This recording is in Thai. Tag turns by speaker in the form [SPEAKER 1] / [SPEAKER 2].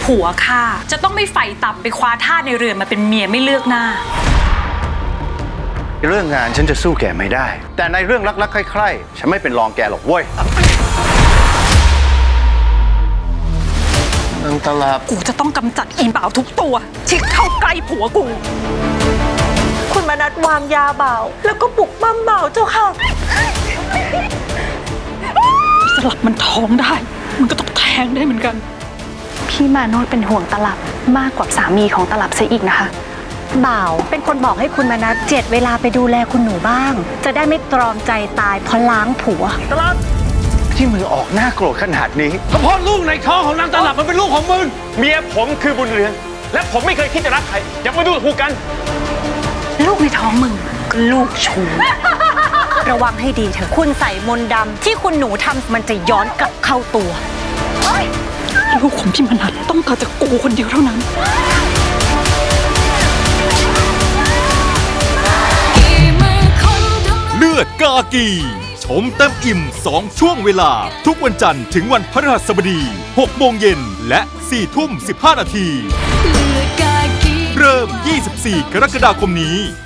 [SPEAKER 1] ผัวข้าจะต้องไม่ไฟต่ำไปคว้าท่าในเรือนมาเป็นเมียไม่เลือกหน้า
[SPEAKER 2] เรื่องงานฉันจะสู้แกไม่ได้แต่ในเรื่องรักๆใคร่ๆฉันไม่เป็นรองแกหรอกเว้ยนางตลับ
[SPEAKER 1] กูจะต้องกำจัดอีบ่าวทุกตัวที่เข้าใกล้ผัวกู
[SPEAKER 3] คุณมนัสวางยาบ่าวแล้วก็ปลุกปั้มบ่าวเจ้าค่ะ
[SPEAKER 1] สลับมันท้องได้มันก็ต้องแทงได้เหมือนกัน
[SPEAKER 4] พี่มาโนดเป็นห่วงตลับมากกว่าสามีของตลับซะอีกนะคะ
[SPEAKER 3] บ่าวเป็นคนบอกให้คุณมนัสเจ็ดเวลาไปดูแลคุณหนูบ้างจะได้ไม่ตรอมใจตายเพราะล้างผัว
[SPEAKER 2] ตลับที่มือออกหน้าโกรธขนาดนี้
[SPEAKER 5] ก็เพราะลูกในท้องของนางตลับมันเป็นลูกของมึงเมียผมคือบุญเรือนและผมไม่เคยคิดจะรักใครอย่ามาดูถูกกัน
[SPEAKER 1] ลูกในท้องมึงก็ลูกชู
[SPEAKER 3] ระวังให้ดีเถอะคุณใส่มนต์ดำที่คุณหนูทำมันจะย้อนกลับเข้าตัว
[SPEAKER 1] ลูกของพี่มนัสต้องเกิดจากกูคนเดียวเท่านั้น
[SPEAKER 6] เลือดกากีชมเต็มอิ่ม2ช่วงเวลาทุกวันจันทร์ถึงวันพฤหัสบดี6 โมงเย็นและ4 ทุ่ม 15 นาทีเริ่ม 24 กรกฎาคมนี้